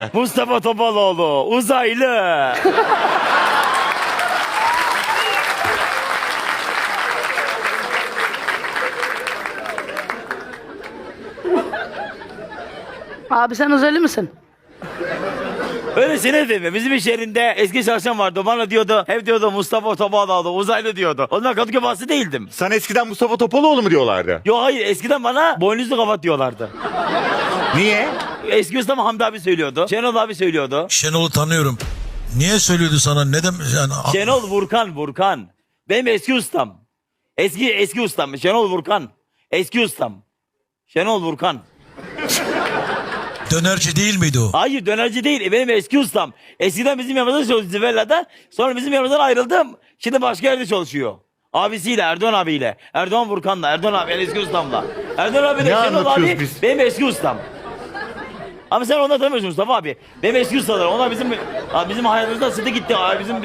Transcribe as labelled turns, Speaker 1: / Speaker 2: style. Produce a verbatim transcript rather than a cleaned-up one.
Speaker 1: Mustafa Topaloğlu uzaylı.
Speaker 2: Abi sen uzaylı mısın?
Speaker 1: Öylesine değil mi? Bizim iş yerinde eski çalışan vardı. Bana diyordu, hep diyordu Mustafa Topaloğlu uzaylı diyordu. O zaman Kadıköy bahsi değildim.
Speaker 3: Sana eskiden Mustafa Topaloğlu mu diyorlardı?
Speaker 1: Yo hayır, eskiden bana boynuzlu kapat diyorlardı.
Speaker 3: Niye?
Speaker 1: Eski ustam Hamdi abi söylüyordu. Şenol abi söylüyordu.
Speaker 4: Şenol'u tanıyorum. Niye söylüyordu sana? Neden yani?
Speaker 1: Şenol Vurkan, Vurkan. Benim eski ustam. Eski eski ustam. Şenol Vurkan. Eski ustam. Şenol Vurkan.
Speaker 4: Dönerci değil miydi o?
Speaker 1: Hayır, dönerci değil. Benim eski ustam. Eskiden bizim yanımızda çalışıyordu Zivella'da. Sonra bizim yanımızdan ayrıldım. Şimdi başka yerde çalışıyor. Abisiyle, Erdoğan abiyle. Erdoğan Vurkan'la, Erdoğan abi eski ustamla. Erdoğan abi de
Speaker 3: Ne
Speaker 1: Şenol
Speaker 3: anlatıyoruz
Speaker 1: abi
Speaker 3: biz?
Speaker 1: benim eski ustam. Ama sen onları tanımıyorsun Mustafa abi. Benim eski ustalar. Onlar bizim abi bizim hayatımızda sıdı gitti. Abi bizim